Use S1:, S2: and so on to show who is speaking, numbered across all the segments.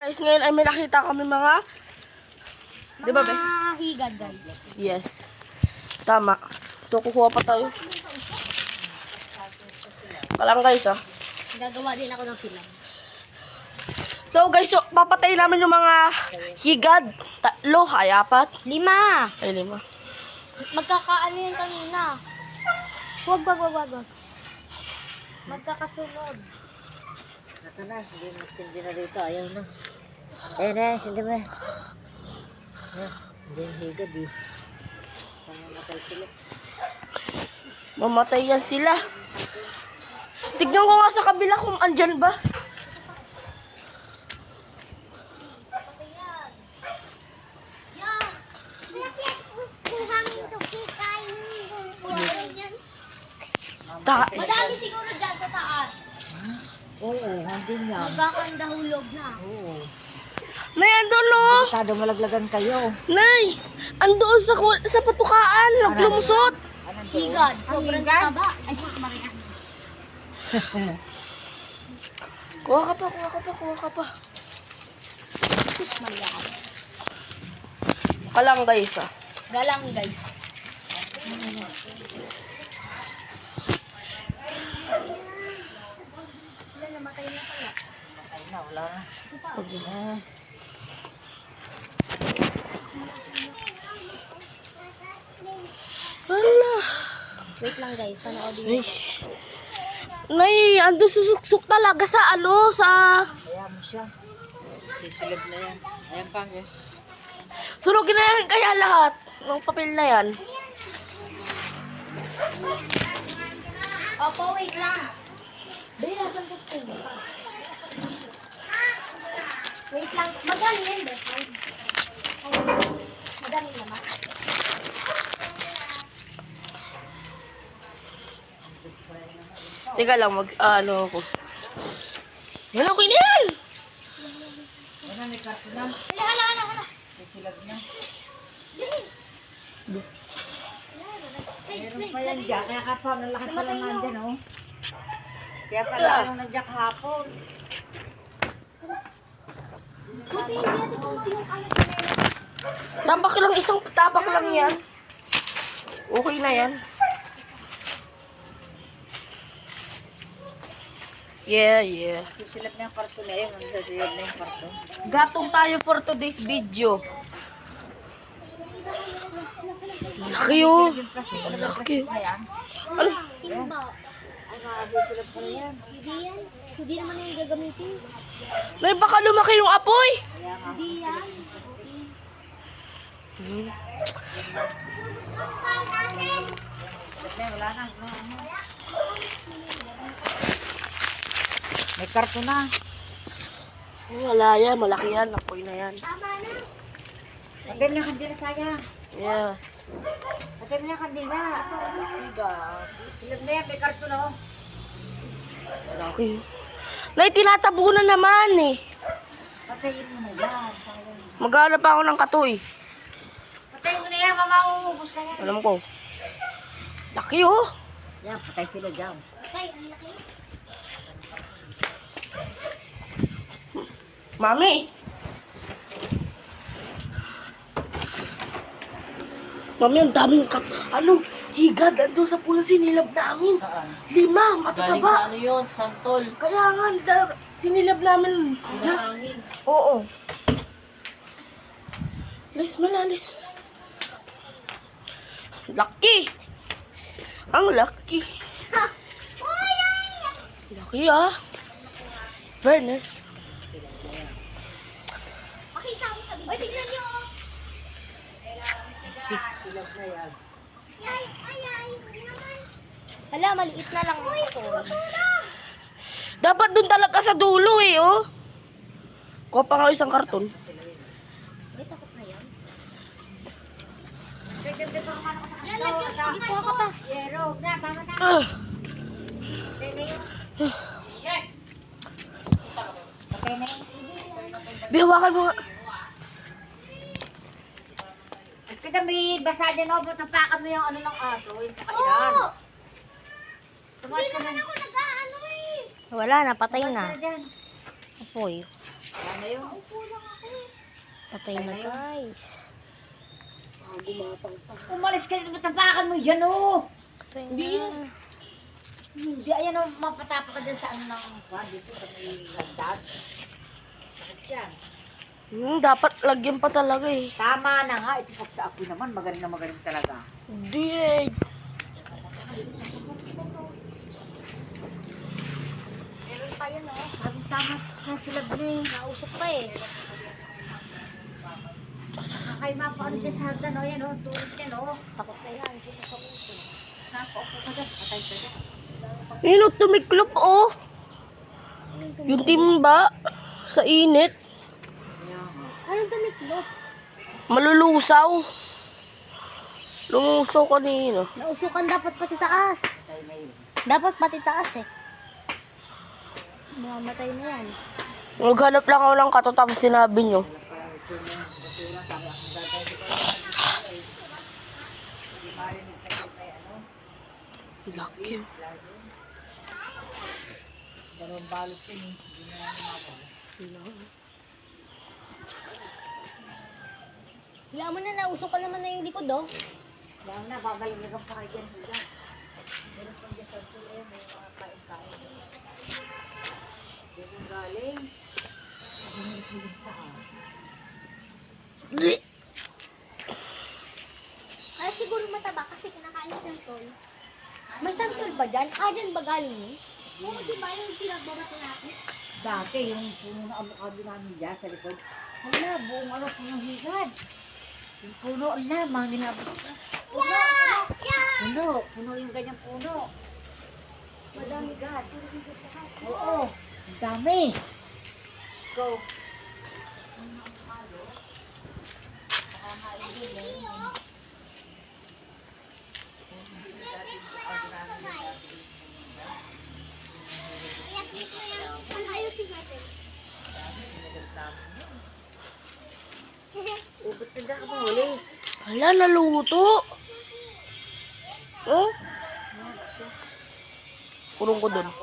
S1: Guys, ngayon ay may nakita kami mga... Di ba, be?
S2: Mga higad, guys.
S1: Yes. Tama. So, kukuha pa tayo. Kalang guys, ah.
S2: Gagawa din ako ng silang.
S1: So, guys, so, papatay namin yung mga higad. 3, ay 4.
S2: 5.
S1: Ay 5.
S2: Magkakaano yan kanina. Wag. Magkakasunod.
S3: Ito na, hindi magsindi na dito. Ayaw na. Ayan na, sindi mo. Ayan, hindi yung higad eh. Pamamatay sila.
S1: Mamatay yan sila. Tignan ko nga sa kabila kung andyan ba.
S2: Madami siguro dyan sa taas.
S3: Oo, hindi nga.
S2: Magkakandahulog na.
S3: Oo.
S1: Nay, andun no.
S3: Delikado malaglagan kayo.
S1: Nay, andun sa patukaan. Naglumusot.
S3: Anong doon?
S2: Higad. Sobrang taba. Ay, sus, Maria.
S1: Kuha ka pa.
S2: Sus, Maria.
S1: Kalang guys, ah.
S2: Galang, guys. Namatay na pala.
S3: Patay na, wala na.
S2: Ito pa.
S3: Ah,
S1: Hala.
S2: Wait lang, guys. Panoodin
S1: Nay,
S2: nyo.
S1: Nay, andun susuksok talaga sa
S3: kaya mo siya. Sisilip na yan. Ayan pa, eh.
S1: Sunugin na yan kaya lahat ng papel na yan.
S2: Opo, wait lang. Dali, nasan ko ito? Wait lang. Madali yan, be. Madali naman.
S1: Teka lang, ano ako. Yan, okay na yan!
S3: Ano, may karto na.
S2: Hala.
S3: Sisilip na. Meron pa yan dyan. Kaya ka pa, nalakas pa lang nandyan, oh. Kaya pala anong nandiyan kahapon.
S2: Buti hindi natin kumuha yung alat na yun.
S1: Tapak lang yan. Okay na yan. Yeah.
S3: Sisilip na yung karto na yun. Magsasilip na yung karto.
S1: Gatong tayo for today's video. Laki oh.
S3: Yung plastic, ano yung
S1: Laki.
S3: plastic na yan?
S1: Ano?
S2: Timba.
S3: Ay, makabusilip ko na yan.
S2: Hindi yan. Hindi naman yung gagamitin.
S1: Nay, baka lumaki yung apoy.
S3: Kaya nga.
S2: Hindi yan.
S3: Silip na, wala na. May karto na.
S1: Wala yan, malaki yan. Apoy na yan.
S3: Patay mo na kandila, sayang.
S1: Yes.
S3: Patay mo na kandila. Silip na yan, may karto na, oh.
S1: Laki. Nay, tinatabo na naman eh.
S3: Patayin mo na yan. sayang.
S1: Maghanap pa ako ng katoy.
S3: Patayin mo na yan, mama, uubos ka yan.
S1: Alam ko. Laki oh.
S3: Yan, patay sila dyan.
S2: Ay, ang laki.
S1: Mami. Mami, ang daming higad. Ando sa puno sinilab namin.
S3: Saan?
S1: 5,
S3: Galing
S1: matataba.
S3: sa ano yun? Santol.
S1: Kaya nga, sinilab namin.
S3: Hangin.
S1: Oo. Malalis. Lucky. Ang lucky. Lucky ah. Fairness.
S2: Makita mo sa video. Uy, tignan nyo.
S3: Silip na yan.
S2: Hala, maliit na lang ako.
S1: Dapat dun talaga sa dulo eh, oh. Kuha pa nga isang karton.
S2: May takot na yan.
S3: Sige,
S2: Kuha ka pa.
S3: Yero, na, tama na.
S1: Ah.
S3: Patay na yun. Patay na yun.
S1: Bihawakan mo nga.
S3: Mas kita may basa dyan, oh. Tapakan mo yung ano ng aso. Yung pakailan. Tumas ka na.
S2: Wala na, patay
S3: Tumas ka
S2: na.
S3: na dyan.
S2: Apoy.
S3: Ano yun?
S2: Patay na guys.
S3: Umalis ka dito, matapakan mo dyan, oh!
S2: Patay
S1: Hindi
S2: na.
S1: yan.
S3: Hindi, ayan, oh, mapatapa ka dyan sa ano ng dito sa may landag. Sakit yan.
S1: Dapat lagyan pa talaga eh.
S3: Tama na nga, ito pag sa apoy naman, magaling na magaling talaga.
S1: Hindi eh.
S2: Meron pa yun oh.
S3: Sabi tama na sila Bri.
S2: Nausok pa eh.
S3: Kay ma, paano dyan sa hagdan, oh, yan, oh, tulis yan, oh.
S2: Takot na yan. Sino sa puso?
S3: Nakaupo ka dyan, patay ka dyan.
S1: Yun, tumiklop oh. Yung timba sa init.
S3: Kaya nga.
S2: Anong tumiklop?
S1: Malulusaw. Lumusaw kanina.
S2: Nausukan dapat pati taas.
S3: Patay na yun.
S2: Dapat pati taas eh. Mamamatay na yan.
S1: Naghanap lang ako ng kato tapos sinabi nyo. Laki.
S3: Dalawang balot yun, eh. Hindi na lang lumabas.
S2: Wala mo na, nausukan naman na yung likod oh.
S3: Kaya na, babalikan pa kayo dyan, Huda. Meron pang dyan sa tuloy, may mga kain-kain. Diyan yung galing.
S2: Ay, siguro mataba kasi kinakain siyang tol. May santol ba dyan? Ah, dyan ba galing yun? Oo, di ba yung pinagbabato natin?
S3: Dati, yung puno na avocado namin dyan sa likod. Wala, buong ano, punong higad. Yung puno, ala, mga ginabot ko. Puno yung ganyang puno. Madami higad. Oo, ang dami. Go.
S2: Ayusin natin.
S3: Ubot na dyan ka pa, walis.
S1: Hala, naluto. Oh? Kurong ko dun.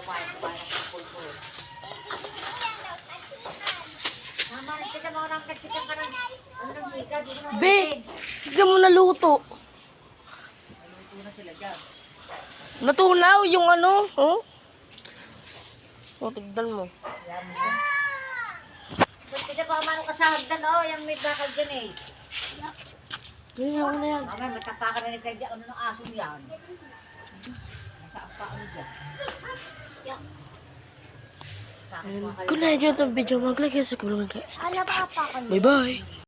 S3: Mama, tika mo nang katsikan ka ng ano ng higad. Hindi mo
S1: Be, tignan mo naluto.
S3: Naluto na sila dyan.
S1: Natunaw yung ano. Oh? Oh, tignan mo.
S3: Ayan mo. Ba't tika pa umano ka sa hagdan, oh, yung may bakal dyan eh.
S1: Ganyan ako na yan.
S3: Mamaya, matapakan na ni Kaya ano ng aso yan. Nasa apa ano dyan.
S1: Kung na-enjoy itong video, mag-like, subscribe,
S2: Ala pa pa kayo.
S1: bye-bye.